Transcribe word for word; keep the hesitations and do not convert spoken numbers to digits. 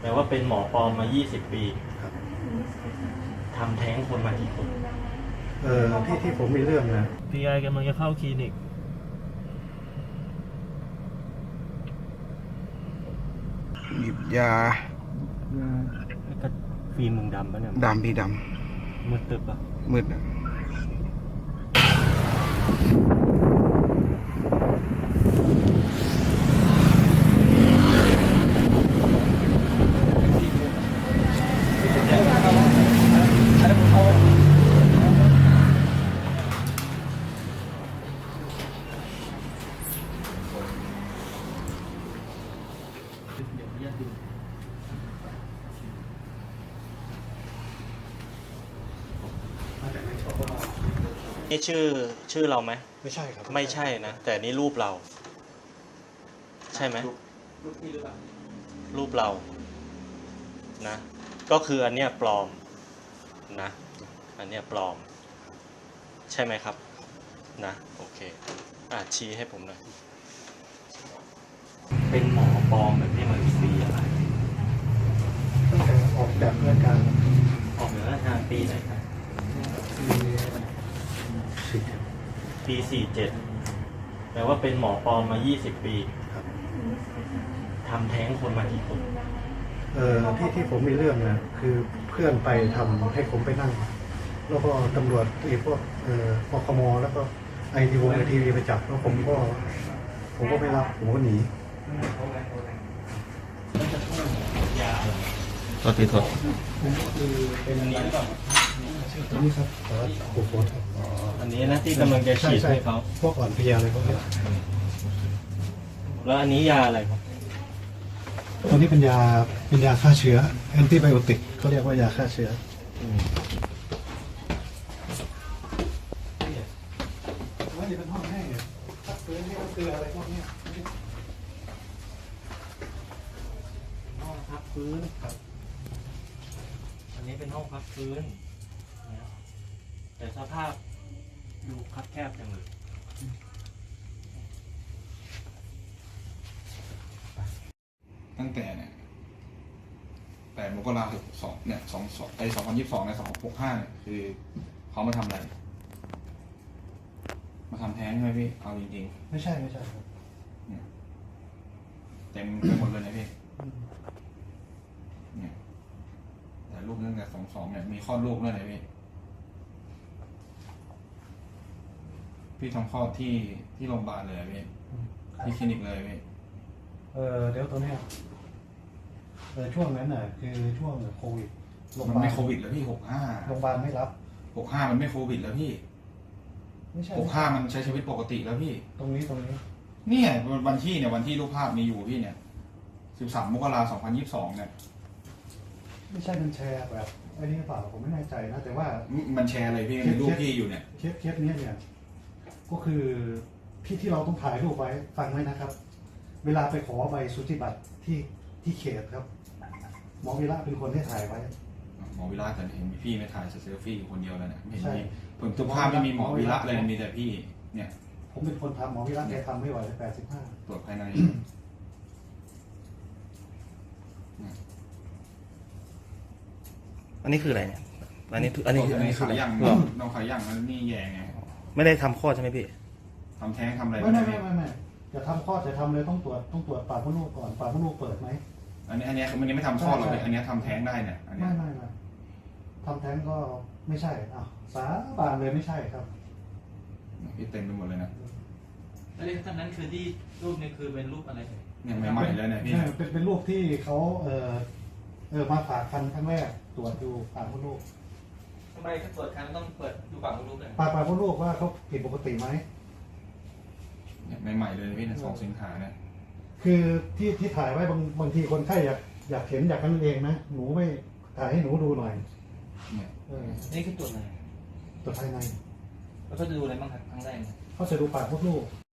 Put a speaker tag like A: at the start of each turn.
A: แปลว่าเป็นหมอปลอมมายี่สิบปี
B: ครับ
A: ทำแท้งคนมากี่คน
B: เออที่ที่ผมมีเรื่องนะ
A: พีไอกำลังจะเข้าคลินิก
C: หยิบยา
A: ก็ฟิล์มมึงดำปะเนี่ย
C: ดำพี่ด
A: มืดตึบปะ
C: ำมืดอะ
A: นี่ชื่อชื่อเราไหม
B: ไม่ใช่ครับ
A: ไม่ใช่นะ แต่นี่รูปเรา ใช่ไหมรูปเรานะ ก็คืออันเนี้ยปลอมนะ อันเนี้ยปลอม ใช่ไหมครับนะโอเคอ่ะชี้ให้ผมหน่อยเป็นหมอปลอมแบบนี้มากี่ปีอะไร
B: ตั้งแต่ออกแบบรายการ
A: ออกเหนือราชการปีไหนครับ
B: สิบ
A: ปีสี่เจ็ดแปลว่าเป็นหมอปลอมมายี่สิบปี
B: ครับ
A: ทำแท้งคนมากี่คน
B: เออที่ที่ผมมีเรื่องนะคือเพื่อนไปทำให้ผมไปนั่ง แล้วก็ตำรวจไอ้พวกเอ่อปคมแล้วก็ไอทีวงไอทีวีไปจับแล้วผมก็ผมก็ไม่รับผมก็หนี
A: ก็ติดทด
B: ผมก็คือเป็นอะไรตัวนี้ครับแต่ว่าโอ้โหครับ
A: อันนี้นะที่กำลังจะฉีดให้เขา
B: พวกอ่อนเพลียอะไรพวกนี้
A: แล้วอันนี้ยาอะไรครับ
B: ตัวนี้เป็นยาเป็นยาฆ่าเชื้อแอนติไบโอติกเขาเรียกว่ายาฆ่าเชื้อว่าจะเป็นห้องแห้งเนี่ยพักฟื้นนี่ก็คืออะไรพวกนี้
A: ห้องพักฟื้นครับ อันนี้เป็นห้องพักฟื้นนะแต่สภาพดูคับแคบจังเลย
C: ตั้งแต่เนี่ยแปดมกราคมสองเนี่ยสองสองไอสองพันยี่สิบสองในสองหกห้าเนี่ยคือเขามาทำอะไร มาทำแท้งใช่ไหมพี่เอาจริง
B: ไม่ใช่ไม่ใช่ครับ
C: ๆเนี่ยเต็มไปหมดเลยนะพี่เนี่ยแต่ลูกตั้งแต่สองสองเนี่ยมีคลอดลูกด้วยนะพี่พี่ทำคลอดที่ที่โรงพยาบาลเลยอะพี่ที่คลินิกเลยพี่
B: เออเดี๋ยวตัวเนี้ยเออช่วงนั้นน่ะคือช่วงโควิดโรงพ
C: มัน
B: ยาบาล
C: ไม่โควิดแล้วพี่หกห้า
B: โรงพยาบาลไม่รับ
C: หกห้ามันไม่โควิดแล้วพี่
B: ไม่ใช่
C: หกห้ามันใช้ชีวิตปกติแล้วพี่
B: ตรงนี้ตรงนี้
C: เนี่ยวันที่เนี่ยวันที่รูปภาพมีอยู่พี่เนี่ยสิบสามมกราสองพันยี่สิบสองเนี่ย
B: ไม่ใช่มันแชร์แบบไอ้นี่หรือเปล่าผมไม่แน่ใจนะแต่ว่า
C: มันแชร์อะไรพี่มีรูปพี่อยู่เนี่ย
B: เคสเคสเนี้ยเนี่ยก็คือที่ที่เราต้องถ่ายรูปไว้ฟังไว้นะครับ เวลาไปขอใบสุติบัตรที่ที่เขตครับ หมอวีระเป็นคนที่ถ่ายไว้
C: หมอวิระแต่เห็นมีพี่ไม่ถ่ายเซลฟี่อยู่คนเดียวเลยเนี่ยไม่
B: ใช่
C: มีผมทุกภาพไม่มีหมอวิระเลยมีแต่พี่เนี่ย
B: ผมเป็นคนทำหมอวีระแกทำไม่ไหวแปดสิบห้า
C: ตรวจภายใน
D: อันนี้คืออะไรเนี่ย อันนี้อันนี้คือ
C: อั
D: อั
C: น
D: น
C: นี้
D: นี้คือ
C: ขา
D: อะไร
C: ย่าง
D: หรอ
C: น้องขาย่างมันนี่แย่ไง
D: ไม่ได้ทำคลอดใช่ไหมพี่
C: ทำแท้งทำอะไร
B: ไม่ไม่ไม่ไม่ไม่จะทำคลอดจะทำเลยต้องตรวจต้องตรวจปากมดลูกก่อนปากมดลูกเปิดไหม
C: อันนี้อันนี้มันยังไม่ทำคลอดหรอกอันนี้ทำแท้งได้เนี่ยอันนี้
B: ไม่ไม่ไม่ทำแท้งก็ไม่ใช่อ้าวสาบานเลยไม่ใช่ครับ
C: พี่เต็มไปหมดเลยนะ
A: แล้วท่านนั้นคือที่รูปนี้คือเป็นรูปอะไร
C: เนี่ยใหม่ๆเลยเนี่ยพี่
B: ใช่เป็นเป็นรูปที่เขาเออเออมาฝากคันครั้งแรกตรวจดูปากมดลูก
A: ทำไมตรวจครั้งต้องเปิดดูปากมดลูกเลย
B: ปากปากมดลูกว่าเขาผิดปกติไหม
C: เนี่ยใหม่ๆเลยพี่เนี่ยสองสิงหาเนี่ย
B: คือที่ที่ถ่ายไว้บางบางทีคนไข้อยากอยากเห็นอยากกันเองนะหนูไม่ถ่ายให้หนูดูหน่อย
C: เนี่ย
B: เออ
A: นี่คือตรวจอะไร
B: ตรวจภายใน
A: แล้วก็จะดูอะไรบ้างครับครั้งแรก
B: เขาจะดูปากมดลูก